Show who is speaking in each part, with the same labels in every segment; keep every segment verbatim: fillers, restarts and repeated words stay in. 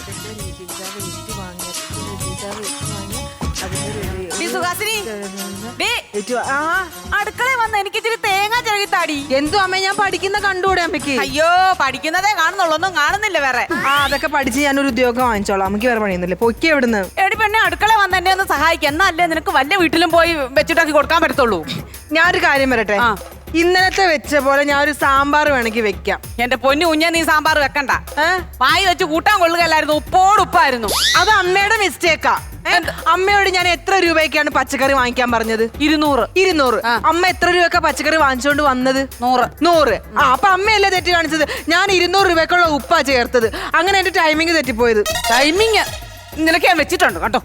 Speaker 1: അടുക്കള വന്ന് എനിക്ക് ഇച്ചിരി തേങ്ങ ചെറുകിത്താടി.
Speaker 2: എന്തോ അമ്മ ഞാൻ പഠിക്കുന്ന കണ്ടുകൂടെ അമ്മയ്ക്ക്?
Speaker 1: അയ്യോ പഠിക്കുന്നതേ കാണുന്നുള്ളൂ, ഒന്നും കാണുന്നില്ല വേറെ.
Speaker 2: ആ അതൊക്കെ പഠിച്ച് ഞാനൊരു ഉദ്യോഗം വാങ്ങിച്ചോളാം, അമ്മയ്ക്ക് വേറെ പണിയൊന്നുമില്ല. പൊക്കി എവിടുന്ന്?
Speaker 1: എടി പെണ്ണെ അടുക്കള വന്ന് എന്നെ ഒന്ന് സഹായിക്കാം, എന്നല്ലേ നിനക്ക് വല്ല വീട്ടിലും പോയി വെച്ചിട്ടാക്കി കൊടുക്കാൻ പറ്റത്തുള്ളൂ.
Speaker 2: ഞാനൊരു കാര്യം വരട്ടെ, ഇന്നലത്തെ വെച്ച പോലെ ഞാൻ ഒരു സാമ്പാർ വേണമെങ്കിൽ വെക്കാം.
Speaker 1: എന്റെ പൊന്നു കുഞ്ഞ നീ സാമ്പാർ വെക്കണ്ട, വായി വെച്ച് കൂട്ടാൻ കൊള്ളുകയല്ലായിരുന്നു, ഉപ്പോട് ഉപ്പായിരുന്നു.
Speaker 2: അത് അമ്മയുടെ മിസ്റ്റേക്കാ. അമ്മയോട് ഞാൻ എത്ര രൂപയ്ക്കാണ് പച്ചക്കറി വാങ്ങിക്കാൻ പറഞ്ഞത്?
Speaker 1: ഇരുന്നൂറ്.
Speaker 2: ഇരുന്നൂറ്. അമ്മ എത്ര രൂപയ്ക്കാ പച്ചക്കറി വാങ്ങിച്ചോണ്ട് വന്നത്?
Speaker 1: നൂറ്.
Speaker 2: നൂറ്. ആ അപ്പൊ അമ്മയല്ലേ തെറ്റ് കാണിച്ചത്? ഞാൻ ഇരുന്നൂറ് രൂപയ്ക്കുള്ള ഉപ്പാ ചേർത്തത്. അങ്ങനെ എന്റെ ടൈമിങ് തെറ്റിപ്പോയത്.
Speaker 1: ടൈമിങ് നിനക്ക് ഞാൻ വെച്ചിട്ടുണ്ട് കേട്ടോ.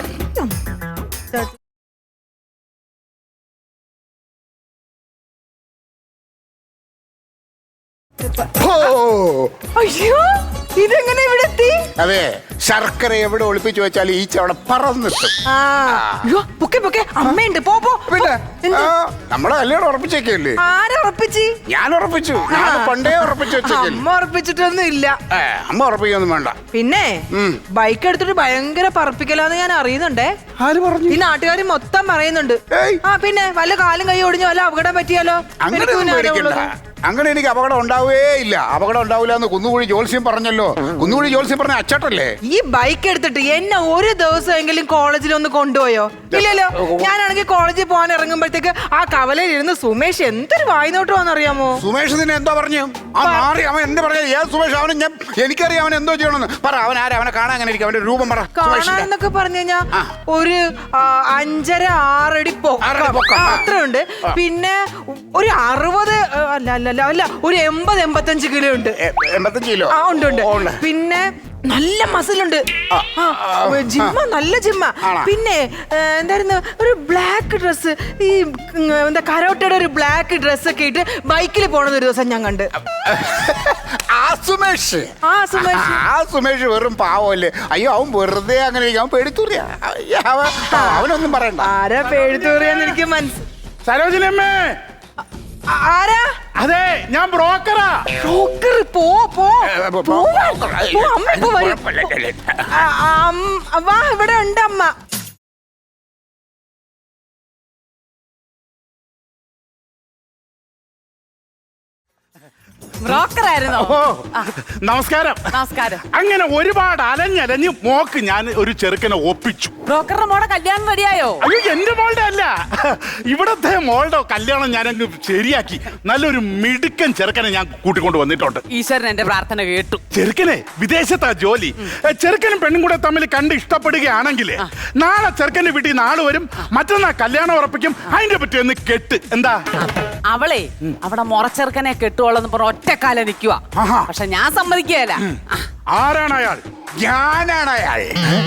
Speaker 2: അയ്യോ ഇതെങ്ങനെ ഇവിടെ എത്തി?
Speaker 3: അതെ, ശർക്കര എവിടെ ഒളിപ്പിച്ചു വെച്ചാൽ ഈച്ച അവിടെ പറന്നിട്ടും.
Speaker 2: അമ്മയുണ്ട്, പോ പോ.
Speaker 3: പിന്നെ നമ്മളെ കല്യാണം ഉറപ്പിച്ചേക്കല്ലേ?
Speaker 2: ആരെ ഉറപ്പിച്ച്?
Speaker 3: ഞാൻ ഉറപ്പിച്ചു. ഞാൻ പണ്ടേ ഉറപ്പിച്ചു വെച്ചേക്കല്ലേ.
Speaker 2: അമ്മ ഉറപ്പിച്ചിട്ടൊന്നും ഇല്ല.
Speaker 3: അമ്മ ഉറപ്പിക്കൊന്നും വേണ്ട.
Speaker 2: പിന്നെ ബൈക്ക് എടുത്തിട്ട് ഭയങ്കര പറപ്പിക്കലാന്ന് ഞാൻ അറിയുന്നുണ്ടേ.
Speaker 3: ആര് പറഞ്ഞു?
Speaker 2: ഈ നാട്ടുകാർ മൊത്തം പറയുന്നുണ്ട്. ആ പിന്നെ വല്ല കാലും കൈ ഒടിഞ്ഞോ വല്ല അപകടം പറ്റിയാലോ?
Speaker 3: അങ്ങനെ എനിക്ക് അപകടം ഉണ്ടാവേ ഇല്ല. അപകടം ഉണ്ടാവില്ല എന്ന് കുന്നുകുഴി ജോത്സ്യം പറഞ്ഞല്ലോ. കുന്നുകുഴി ജോത്സ്യം പറഞ്ഞ അച്ചട്ടല്ലേ?
Speaker 2: ഈ ബൈക്ക് എടുത്തിട്ട് എന്നെ ഒരു ദിവസമെങ്കിലും കോളേജിൽ ഒന്ന് കൊണ്ടുപോയോ? ഇല്ലല്ലോ. ഞാനാണെങ്കിൽ കോളേജിൽ പോകാൻ ഇറങ്ങുമ്പോഴത്തേക്ക് ആ കവലയിൽ ഇരുന്ന് സുമേഷ് എന്തൊരു വായ്നോട്ടമാണെന്നറിയാമോ?
Speaker 3: സുമേഷ് നിന്നെ എന്തോ പറഞ്ഞു? ആ മാറി അവൻ എന്ത് പറഞ്ഞ ഏത് സുമേഷ്? അവന് ഞാൻ എനിക്കറിയാം അവൻ എന്തോ ചെയ്യണമെന്ന്. പറ, അവൻ ആരാ? അവനെ കാണാൻ അങ്ങനെ ഇരിക്കും. അവന്റെ രൂപം പറ.
Speaker 2: കാണാന്നൊക്കെ പറഞ്ഞു കഴിഞ്ഞാ ഒരു അഞ്ചര ആറടി പൊക്കം അത്രയുണ്ട്. പിന്നെ ഒരു അറുപത് അല്ല അല്ല അല്ല ഒരു എൺപത് എൺപത്തഞ്ച് കിലോ ഉണ്ട്.
Speaker 3: എൺപത്തഞ്ച് കിലോ?
Speaker 2: ആ ഉണ്ട് ഉണ്ട്. പിന്നെ നല്ല മസിലുണ്ട്. ജിമ്മ, നല്ല ജിമ്മ. പിന്നെ എന്തായിരുന്നു ഒരു ബ്ലാക്ക് ഡ്രസ്, ഈ എന്താ കരോട്ടയുടെ ഒരു ബ്ലാക്ക് ഡ്രസ് ഒക്കെ ഇട്ട് ബൈക്കിൽ പോണത് ഒരു ദിവസം ഞാൻ കണ്ട്.
Speaker 3: ആ സുമേഷ്
Speaker 2: ആ സുമേഷ്
Speaker 3: ആ സുമേഷ് വെറും പാവല്ലേ. അയ്യോ അവൻ വെറുതെ അങ്ങനെ അവൻ പേടിത്തൂറിയ. അവനൊന്നും പറയണ്ട.
Speaker 2: ആരാ പേടിത്തൂറിയാന്ന് എനിക്ക് മനസ്സിലായി.
Speaker 4: സരോജിനിയമ്മേ.
Speaker 2: ആരാ?
Speaker 4: അതെ, ഞാൻ ബ്രോക്കറാ.
Speaker 2: ബ്രോക്കർ? പോ പോ പോ, അമ്മ ഇപ്പൊ വരും. വാ, ഇവിടെ ഉണ്ട് അമ്മ.
Speaker 1: ബ്രോക്കറായിരുന്നോ?
Speaker 4: നമസ്കാരം.
Speaker 1: നമസ്കാരം.
Speaker 4: അങ്ങനെ ഒരുപാട് അലഞ്ഞലഞ്ഞ് മോക്ക് ഞാൻ ഒരു ചെറുക്കനെ ഒപ്പിച്ചു.
Speaker 1: ബ്രോക്കറുടെ മോടെ കല്യാണം റെഡിയായോ?
Speaker 4: അയ്യോ എന്റെ മോളുടെ അല്ല, ഇവിടത്തെ മോളുടെ കല്യാണം ഞാൻ അങ്ങ് ശരിയാക്കി. നല്ലൊരു മിടുക്കൻ ചെറുക്കനെ ഞാൻ കൂട്ടിക്കൊണ്ട് വന്നിട്ടുണ്ട്.
Speaker 1: ഈശ്വരൻ എന്റെ പ്രാർത്ഥന കേട്ടു.
Speaker 4: ചെറുക്കനെ വിദേശത്താ ജോലി. ചെറുക്കനും പെണ്ണും കൂടെ തമ്മിൽ കണ്ട് ഇഷ്ടപ്പെടുകയാണെങ്കിൽ നാളെ ചെറുക്കന്റെ വീട്ടിൽ നാളെ വരും, മറ്റന്നാ കല്യാണം ഉറപ്പിക്കും. അതിന്റെ പറ്റി ഒന്ന് കെട്ട്. എന്താ?
Speaker 1: അവളെ അവിടെ മുറച്ചെറുക്കനെ കെട്ടുവോളെന്ന് പറഞ്ഞ ഒറ്റക്കാലം നിൽക്കുക. പക്ഷെ ഞാൻ സമ്മതിക്കുകയല്ല.
Speaker 4: ആരാണ് അയാൾ?
Speaker 3: ഞാനാണ് അയാൾ.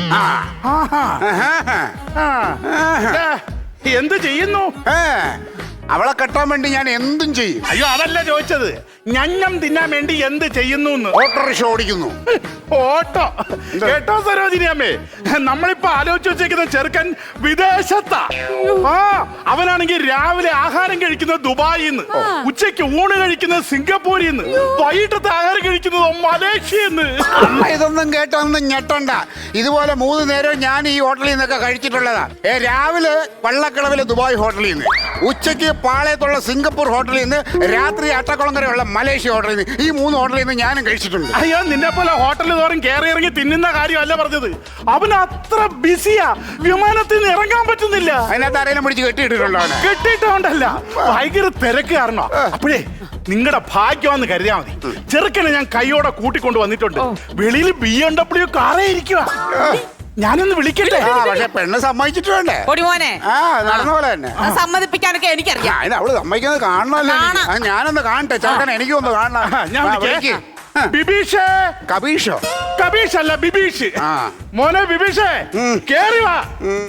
Speaker 4: എന്ത് ചെയ്യുന്നു?
Speaker 3: അവളെ കെട്ടാൻ വേണ്ടി ഞാൻ എന്തും ചെയ്യും.
Speaker 4: അയ്യോ അതല്ല ചോദിച്ചത്, ഞഞ്ഞം തിന്നാൻ വേണ്ടി എന്ത് ചെയ്യുന്നു?
Speaker 3: ഓട്ടോറിക്ഷ ഓടിക്കുന്നു.
Speaker 4: ഓട്ടോ? കേട്ടോ സരോജിനിയമ്മേ, നമ്മളിപ്പോ ആലോചിച്ച് വെച്ചേക്കുന്ന ചെറുക്കൻ വിദേശത്താ. ആ അവനാണെങ്കിൽ രാവിലെ ആഹാരം കഴിക്കുന്നത് ദുബായിന്ന്, ഉച്ചയ്ക്ക് ഊണ് കഴിക്കുന്നത് സിംഗപ്പൂരിന്ന്, വൈകിട്ടത്തെ ആഹാരം കഴിക്കുന്നത് മലേഷ്യന്ന്.
Speaker 3: അമ്മ ഇതൊന്നും കേട്ടൊന്നും ഞെട്ടണ്ട. ഇതുപോലെ മൂന്ന് നേരം ഞാൻ ഈ ഹോട്ടലിൽ നിന്നൊക്കെ കഴിച്ചിട്ടുള്ളതാ. ഏ രാവിലെ വള്ളക്കളവിലെ ദുബായ് ഹോട്ടലിൽ നിന്ന്, ഉച്ചയ്ക്ക് പാളയത്തുള്ള സിംഗപ്പൂർ ഹോട്ടലിൽ നിന്ന്, രാത്രി അട്ടക്കുളങ്കരയുള്ള മലേഷ്യ ഹോട്ടലിൽ നിന്ന്, ഈ മൂന്ന് ഹോട്ടലിൽ നിന്ന് ഞാനും കഴിച്ചിട്ടുണ്ട്.
Speaker 4: അയ്യോ നിന്നെ പോലെ ഹോട്ടലിൽ തോറും കയറി ഇറങ്ങി തിന്നുന്ന കാര്യമല്ല പറഞ്ഞത്. അവൻ അത്ര ബിസിയാ, വിമാനത്തിൽ നിന്ന് ഇറങ്ങാൻ പറ്റുന്നില്ല.
Speaker 3: അതിനകത്ത് ആരെങ്കിലും പിടിച്ച് കെട്ടിയിട്ടുണ്ടോ?
Speaker 4: കെട്ടിയിട്ടോണ്ടല്ല, ഭയങ്കര തിരക്ക് കാരണം. അപ്പോഴേ നിങ്ങളുടെ ഭാഗ്യമാന്ന് കരുതിയാ മതി. ചെറുക്കനെ ഞാൻ കൈയോടെ കൂട്ടിക്കൊണ്ട് വന്നിട്ടുണ്ട്. വെളിയിൽ ബി എം ഡബ്ല്യു കാറേ ഇരിക്കുക. ഞാനൊന്ന് വിളിക്കട്ടെ?
Speaker 3: പക്ഷെ പെണ്ണ് സമ്മതിച്ചിട്ട് വേണ്ടേ?
Speaker 1: പൊടിമോനെ,
Speaker 3: ആ നടന്ന പോലെ തന്നെ
Speaker 1: സമ്മതിപ്പിക്കാനൊക്കെ എനിക്കറിയാം.
Speaker 3: അതിന് അവള് സമ്മതിക്കുന്നത് കാണണമല്ലോ. ഞാനൊന്ന് കാണട്ടെ ചെറുക്കനെ, എനിക്കൊന്ന് കാണണം.
Speaker 4: ഞാൻ ബിബീഷേ.
Speaker 3: കബീഷോ?
Speaker 4: കബീഷ് അല്ല, ബിബീഷ്. മോനെ ബിബീഷേ, കേറി വാ.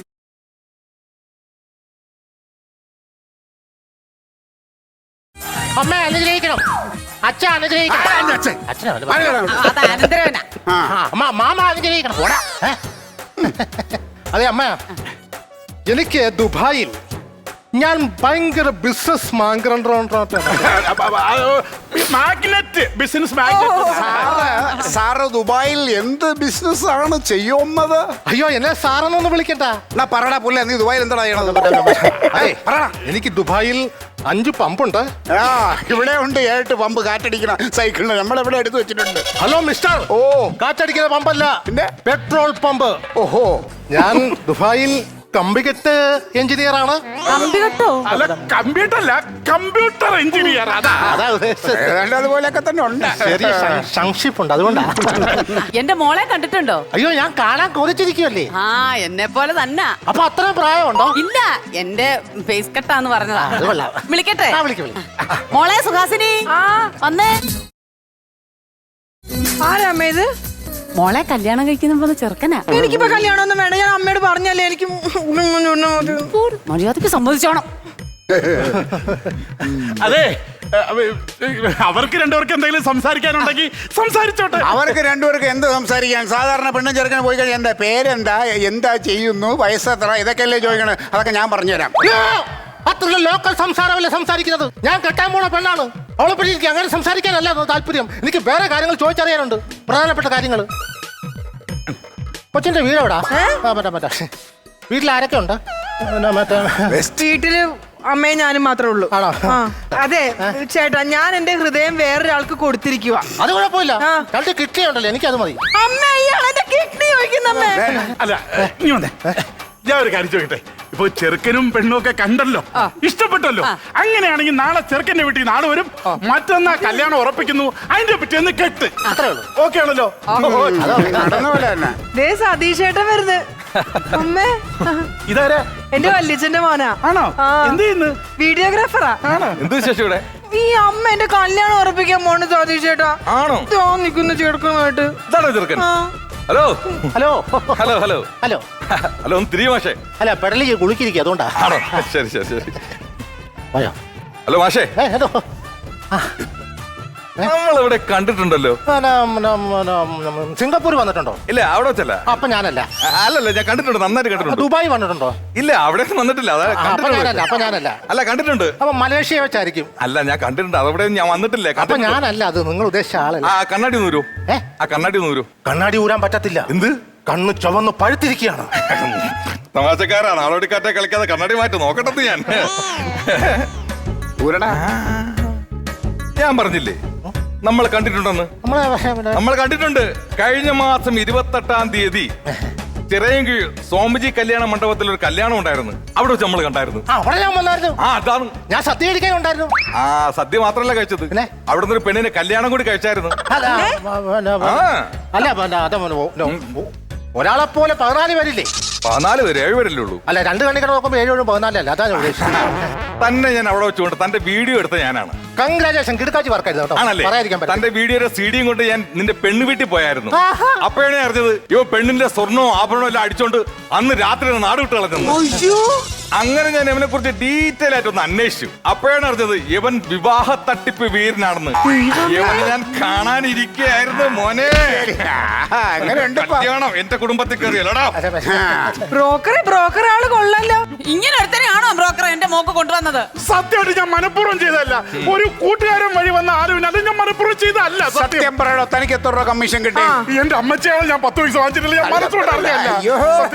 Speaker 5: അമ്മ അനുഗ്രഹിക്കണം, അച്ഛ അനുഗ്രഹിക്കണം. അമ്മ മാമ അനുഗ്രഹിക്കണം.
Speaker 6: അതെ അമ്മ, എനിക്ക് ദുബായിൽ ഞാൻ ഭയങ്കര business
Speaker 4: magnate business magnate.
Speaker 3: Sir sir ദുബായിൽ എന്ത് ബിസിനസ് ആണ് ചെയ്യുന്നത്?
Speaker 6: അയ്യോ എന്നെ സാറെന്നൊന്ന് വിളിക്കണ്ട.
Speaker 3: എന്നാ പറടാ പുല്ല, നീ ദുബായിൽ എന്താ ചെയ്യണത്? ഏയ്, പറടാ.
Speaker 6: എനിക്ക് ദുബായിൽ അഞ്ച് പമ്പുണ്ട്.
Speaker 3: ആ, ഇവിടെ ഉണ്ട് ഏട്ട് പമ്പ് കാറ്റടിക്കണ സൈക്കിളിന് നമ്മളെവിടെ എടുത്തു വെച്ചിട്ടുണ്ട്.
Speaker 6: Hello mister.
Speaker 3: ഓ,
Speaker 6: കാറ്റടിക്കുന്ന പമ്പല്ല,
Speaker 3: പിന്നെ?
Speaker 6: Petrol pump.
Speaker 3: ഓഹോ.
Speaker 6: ഞാൻ ദുബായിൽ കമ്പികെട്ട് എഞ്ചിനീയർ ആണ്.
Speaker 1: കമ്പി കെട്ടോ?
Speaker 4: അല്ല കമ്പ്യൂട്ടർ അല്ല, കമ്പ്യൂട്ടർ എഞ്ചിനീയർ. അതാ
Speaker 6: അതാ ഉദ്ദേശിച്ചത്.
Speaker 3: ഏതാണ്ട് അതുപോലെയൊക്കെ തന്നെ ഉണ്ട്.
Speaker 6: ചെറിയ സം- സംശയിപ്പുണ്ട്, അതുകൊണ്ടാ.
Speaker 1: എന്റെ മോളെ കണ്ടിട്ടുണ്ടോ?
Speaker 6: അയ്യോ ഞാൻ കാണാൻ കൊതിച്ചിരിക്കുവല്ലേ.
Speaker 1: ആ, എന്നെ പോലെ തന്നെ.
Speaker 6: അപ്പൊ അത്രയും പ്രായമുണ്ടോ?
Speaker 1: ഇല്ല, എന്റെ ഫേസ് കട്ടാന്ന് പറഞ്ഞതാ.
Speaker 6: അത് കൊള്ളാം.
Speaker 1: വിളിക്കട്ടെ?
Speaker 6: ആ, വിളിക്ക്, വിളിക്ക്.
Speaker 1: മോളെ സുഹാസിനി,
Speaker 2: ആ
Speaker 1: വന്നേ.
Speaker 2: ആരാമ്മ ഇത്?
Speaker 1: മോളെ കല്യാണം കഴിക്കുന്ന പോലെ ചെറുക്കനാ.
Speaker 2: എനിക്കിപ്പോ കല്യാണം ഒന്നും വേണ്ട, ഞാൻ അമ്മയോട് പറഞ്ഞല്ലേ എനിക്ക്
Speaker 1: മര്യാദക്ക് സമ്മതിച്ചോണം.
Speaker 4: അതെ, അവർക്ക് രണ്ടുപേർക്ക് എന്തെങ്കിലും സംസാരിക്കാനുണ്ടെങ്കിൽ സംസാരിച്ചോട്ടെ.
Speaker 3: അവർക്ക് രണ്ടുപേർക്ക് എന്ത് സംസാരിക്കാൻ? സാധാരണ പെണ്ണും ചെറുക്കനും പോയി കഴിഞ്ഞാൽ എന്താ പേരെന്താ, എന്താ ചെയ്യുന്നു, വയസ്സെത്ര, ഇതൊക്കെയല്ലേ ചോദിക്കണേ. അതൊക്കെ ഞാൻ പറഞ്ഞുതരാം.
Speaker 6: അത്ര ലോക്കൽ സംസാരമല്ലേ സംസാരിക്കുന്നത്. ഞാൻ കെട്ടാൻ പോണ പെണ്ണാണ്. അവളെ പറ്റി എനിക്ക് അങ്ങനെ സംസാരിക്കാനല്ല താല്പര്യം. എനിക്ക് വേറെ കാര്യങ്ങൾ ചോദിച്ചറിയാനുണ്ട്, പ്രധാനപ്പെട്ട കാര്യങ്ങൾ. കൊച്ചിന്റെ വീട് എവിടാ? ആ, മറ്റേ മറ്റേ വീട്ടിൽ ആരൊക്കെ ഉണ്ട്? പിന്നെ മറ്റേ
Speaker 2: വീട്ടില് അമ്മയും ഞാനും മാത്രമേ ഉള്ളൂ.
Speaker 6: ആണോ?
Speaker 2: ആ, അതെ ചേട്ടാ, ഞാൻ എന്റെ ഹൃദയം വേറൊരാൾക്ക് കൊടുത്തിരിക്കുക.
Speaker 6: അത് കുഴപ്പമില്ല.
Speaker 2: ആ.
Speaker 6: രണ്ട് കിഡ്നി ഉണ്ടല്ലോ, എനിക്കത് മതി.
Speaker 2: അമ്മ, ഇയാൾ എന്റെ കിഡ്നി ചോദിക്കുന്ന അമ്മ.
Speaker 4: അല്ല, നീ വന്നേ. ഞാൻ ഒരു കാര്യം ചോദിക്കട്ടെ. ഇപ്പൊ ചെറുക്കനും പെണ്ണും ഒക്കെ കണ്ടല്ലോ, ഇഷ്ടപ്പെട്ടല്ലോ. അങ്ങനെയാണെങ്കിൽ നാളെ ചെറുക്കന്റെ വീട്ടിൽ നാളെ വരും, മറ്റന്നാ കല്യാണം ഉറപ്പിക്കുന്നു, അതിന്റെ പിറ്റേന്ന് കെട്ട്. ഓക്കെ ആണല്ലോ?
Speaker 3: നടന്ന പോലെ തന്നെ.
Speaker 2: ദേ സതീഷ് ചേട്ടൻ വരുന്നത്. അമ്മേ,
Speaker 4: ഇതാരാ?
Speaker 2: എന്റെ വല്യച്ഛന്റെ മോനാ.
Speaker 4: ആണോ?
Speaker 2: ആ.
Speaker 4: എന്ത് ചെയ്യുന്നു?
Speaker 2: വീഡിയോഗ്രാഫറാ.
Speaker 7: എന്ത് വിശേഷം ഇവിടെ?
Speaker 2: ഈ അമ്മ എന്റെ കല്യാണം ഉറപ്പിക്കാൻ പോണ് സതീഷ് ചേട്ടാ.
Speaker 7: ആണോ?
Speaker 2: ദോ നിക്കുന്ന ചേർക്കുമായിട്ട്.
Speaker 7: ഇതാണോ ചെറുക്കൻ?
Speaker 2: ആ.
Speaker 7: Hello
Speaker 6: hello
Speaker 7: hello hello
Speaker 6: hello
Speaker 7: hello, ഒന്ന് തിരികെ മാഷേ.
Speaker 6: അല്ല പെടലി കുളിക്കിരിക്കുക, അതുകൊണ്ടാ.
Speaker 7: ആണോ? ശരി ശരി ശരി.
Speaker 6: പോയോ?
Speaker 7: ഹലോ മാഷേ,
Speaker 6: ഏ, ഏതോ?
Speaker 7: നമ്മളിവിടെ കണ്ടിട്ടുണ്ടല്ലോ.
Speaker 6: ആ, നം, നം, നം, നം, സിംഗപ്പൂർ വന്നിട്ടുണ്ടോ?
Speaker 7: ഇല്ല, അവിടെ വെച്ചല്ല.
Speaker 6: അപ്പൊ ഞാനല്ല.
Speaker 7: അല്ലല്ല, ഞാൻ കണ്ടിട്ടുണ്ട്, നന്നായിട്ട് കണ്ടിട്ടുണ്ട്.
Speaker 6: ദുബായ് വന്നിട്ടുണ്ടോ?
Speaker 7: ഇല്ല, അവിടെ വന്നിട്ടില്ല. അതാ
Speaker 6: ആ, അപ്പൊ ഞാനല്ല. അപ്പൊ ഞാനല്ല.
Speaker 7: അല്ല, കണ്ടിട്ടുണ്ട്.
Speaker 6: അപ്പൊ മലേഷ്യ വെച്ചായിരിക്കും.
Speaker 7: അല്ല, ഞാൻ കണ്ടിട്ടുണ്ട്. അതവിടെ ഞാൻ വന്നിട്ടില്ല.
Speaker 6: അപ്പൊ
Speaker 7: കണ്ടിട്ടുണ്ട്.
Speaker 6: ഞാനല്ല, അത് നിങ്ങൾ ഉദ്ദേശിച്ച ആളല്ല.
Speaker 7: ആ കണ്ണാടി ഒന്ന് വരൂ.
Speaker 6: ഏ?
Speaker 7: ആ കണ്ണാടി ഒന്ന് വരൂ.
Speaker 6: കണ്ണാടി ഊരാൻ പറ്റത്തില്ല.
Speaker 7: എന്ത്?
Speaker 6: കണ്ണ് ചുവന്ന് പഴുത്തിരിക്കുകയാണ്.
Speaker 7: തമാശക്കാരാണ്. ആളോടിക്കാറ്റെ കളിക്കാതെ കണ്ണാടി മാറ്റി നോക്കട്ടെ. ഞാൻ
Speaker 3: ഊരടാ.
Speaker 7: ഞാൻ പറഞ്ഞില്ലേ നമ്മൾ കണ്ടിട്ടുണ്ടെന്ന്.
Speaker 6: നമ്മളെ പിന്നെ
Speaker 7: നമ്മൾ കണ്ടിട്ടുണ്ട്. കഴിഞ്ഞ മാസം ഇരുപത്തെട്ടാം തീയതി ചിറയൻകീഴ് സ്വാമിജി കല്യാണ മണ്ഡപത്തിൽ ഒരു കല്യാണം ഉണ്ടായിരുന്നു. അവിടെ വെച്ച് നമ്മൾ കണ്ടായിരുന്നു.
Speaker 6: ആ, അവിടെ ഞാൻ വന്നായിരുന്നു.
Speaker 7: ആ അതാണ്.
Speaker 6: ഞാൻ സദ്യ കഴിക്കാൻ ഉണ്ടായിരുന്നു.
Speaker 7: ആ സദ്യ മാത്രല്ല കഴിച്ചത്,
Speaker 6: പിന്നെ?
Speaker 7: അവിടെ നിന്ന് ഒരു പെണ്ണിനെ കല്യാണം കൂടി കഴിച്ചായിരുന്നു.
Speaker 6: അല്ല, പിന്നെ,
Speaker 7: ആ
Speaker 6: അല്ല പിന്നെ അത് ഒരാളെ പോലെ പതിനാല് പേരില്ലേ?
Speaker 7: പതിനാല് പേര്, ഏഴ് പേരല്ലേ ഉള്ളൂ.
Speaker 6: അല്ല, രണ്ട് കണ്ണിക്കട നോക്കുമ്പോ ഏഴ് പതിനാലല്ല. അതാണ് ഉദ്ദേശിച്ചത്.
Speaker 7: തന്നെ ഞാൻ അവിടെ വെച്ചുകൊണ്ട് തന്റെ വീഡിയോ എടുത്ത ഞാനാണ്.
Speaker 6: കൺഗ്രാജുലേഷൻ, കിടക്കാച്ചി വർക്കായിരുന്നു കേട്ടോ.
Speaker 7: ആണല്ലേ?
Speaker 6: പറയാതിരിക്കാൻ പറ്റില്ല.
Speaker 7: തന്റെ വീഡിയോയുടെ സീഡിയും കൊണ്ട് ഞാൻ നിന്റെ പെണ്ണ് വീട്ടിൽ പോയായിരുന്നു.
Speaker 6: ആഹാ.
Speaker 7: അപ്പോഴാണ് അറിഞ്ഞത് ഇവ പെണ്ണിന്റെ സ്വർണ്ണവും ആഭരണവും എല്ലാം അടിച്ചോണ്ട് അന്ന് രാത്രി നാട് വിട്ട് കളഞ്ഞു. അങ്ങനെ ഞാൻ ഇവനെ കുറിച്ച് ഡീറ്റെയിൽ ആയിട്ട് ഒന്ന് അന്വേഷിച്ചു. അപ്പോഴാണ് അറിഞ്ഞത് ഇവൻ വിവാഹ തട്ടിപ്പ് വീരനാണെന്ന്. ഇവനെ ഞാൻ കാണാനിരിക്കുകയായിരുന്നു. മോനെ,
Speaker 3: അങ്ങനെ ഉണ്ട്.
Speaker 7: കല്യാണം എന്റെ കുടുംബത്തിൽ കയറിയല്ലോടാ.
Speaker 2: ബ്രോക്കർ ബ്രോക്കർ ആള് കൊള്ളല്ലോ.
Speaker 1: ഇങ്ങനെ ഒരുത്തനെയാണോ ബ്രോക്കർ എന്റെ മോക്ക് കൊണ്ടുവന്നത്?
Speaker 4: സത്യമായിട്ട് ഞാൻ മനഃപൂർവ്വം ചെയ്തതല്ല. ഒരു കൂട്ടുകാരൻ വഴി വന്ന ആരും അത് ഞാൻ മനഃപൂർവ്വം ചെയ്തതല്ല. സത്യം.
Speaker 3: സത്യം പറയണോ, തനിക്ക് എത്ര രൂപ കമ്മീഷൻ കിട്ടി?
Speaker 4: എന്റെ അമ്മച്ചയാണ് ഞാൻ പത്ത് പൈസ വാങ്ങിച്ചിട്ടില്ല. ഞാൻ മനസ്സുകൊണ്ട് അറിഞ്ഞല്ല.
Speaker 3: അയ്യോ.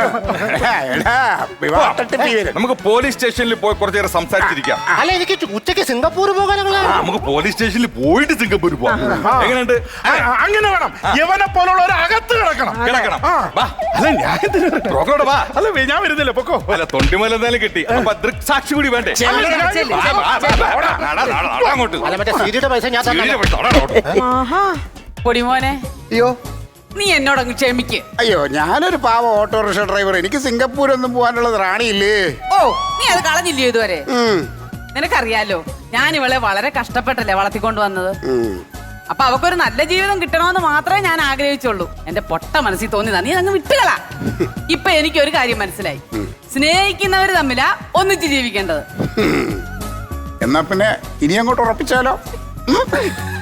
Speaker 3: എടാ, വിവാഹ തട്ടിപ്പ് ഇവര്.
Speaker 7: നമുക്ക് പോലീസ് സ്റ്റേഷനിൽ പോയി കുറച്ചു നേരം സംസാരിച്ചിരിക്കാം.
Speaker 6: അല്ല, എനിക്ക് ഉച്ചയ്ക്ക് സിംഗപ്പൂർ പോകാനുള്ള.
Speaker 7: ആ, നമുക്ക് പോലീസ് സ്റ്റേഷനിൽ പോയിട്ട് സിംഗപ്പൂർ പോവാം. എങ്ങനെയുണ്ട്?
Speaker 4: ആ, അങ്ങനെ വേണം. യവനെ പോലുള്ള ഒരു അകത്ത് കിടക്കണം.
Speaker 7: കിടക്കണം.
Speaker 4: ആ.
Speaker 7: വാ.
Speaker 4: അല്ല ഞാൻ എന്തിനാ?
Speaker 7: ബ്രോക്കറോട് വാ.
Speaker 4: അല്ല വേ, ഞാൻ വരുന്നില്ല, പൊക്കോ.
Speaker 7: അല്ല തൊണ്ടിമല എന്തായാലും കിട്ടി. അപ്പൊ ദൃക്സാക്ഷി കൂടി വേണ്ടേ?
Speaker 2: ചെല്ല്, ചെല്ല്,
Speaker 7: വാ, വാ, വാ, വാ, വാ, നട, നട, നട അങ്ങോട്ട്.
Speaker 6: അല്ല, മറ്റേ സീരിയുടെ പൈസ ഞാൻ തന്നെ.
Speaker 7: സീരിയസ് ആയിട്ട് നട അങ്ങോട്ട്.
Speaker 2: ആഹാ.
Speaker 1: പൊടിമോനെ,
Speaker 3: അയ്യോ
Speaker 1: നീ എന്നോടങ്ങ് ക്ഷമിക്ക്.
Speaker 3: അയ്യോ, ഞാനൊരു പാവ ഓട്ടോറിക്ഷ ഡ്രൈവർ. എനിക്ക് സിംഗപ്പൂരൊന്നും പോകാനുള്ളത് റാണിയില്ലേ.
Speaker 1: ഓ, നീ അത് കളഞ്ഞില്ലയോ ഇതുവരെ?
Speaker 3: ഉം,
Speaker 1: നിനക്കറിയാലോ, ഞാൻ ഇവളെ വളരെ കഷ്ടപ്പെട്ടല്ലേ വളർത്തിക്കൊണ്ട് വന്നത്.
Speaker 3: ഉം.
Speaker 1: അപ്പൊ അവക്കൊരു നല്ല ജീവിതം കിട്ടണമെന്ന് മാത്രമേ ഞാൻ ആഗ്രഹിച്ചുള്ളൂ. എന്റെ പൊട്ട മനസ്സിൽ തോന്നിയതാ. നീ അങ്ങ് വിട്ടുകളാ. ഇപ്പൊ എനിക്ക് ഒരു കാര്യം മനസ്സിലായി. സ്നേഹിക്കുന്നവര് തമ്മിലാ ഒന്നിച്ച് ജീവിക്കേണ്ടത്.
Speaker 3: എന്നാ പിന്നെ ഇനി അങ്ങോട്ട് ഉറപ്പിച്ചാലോ?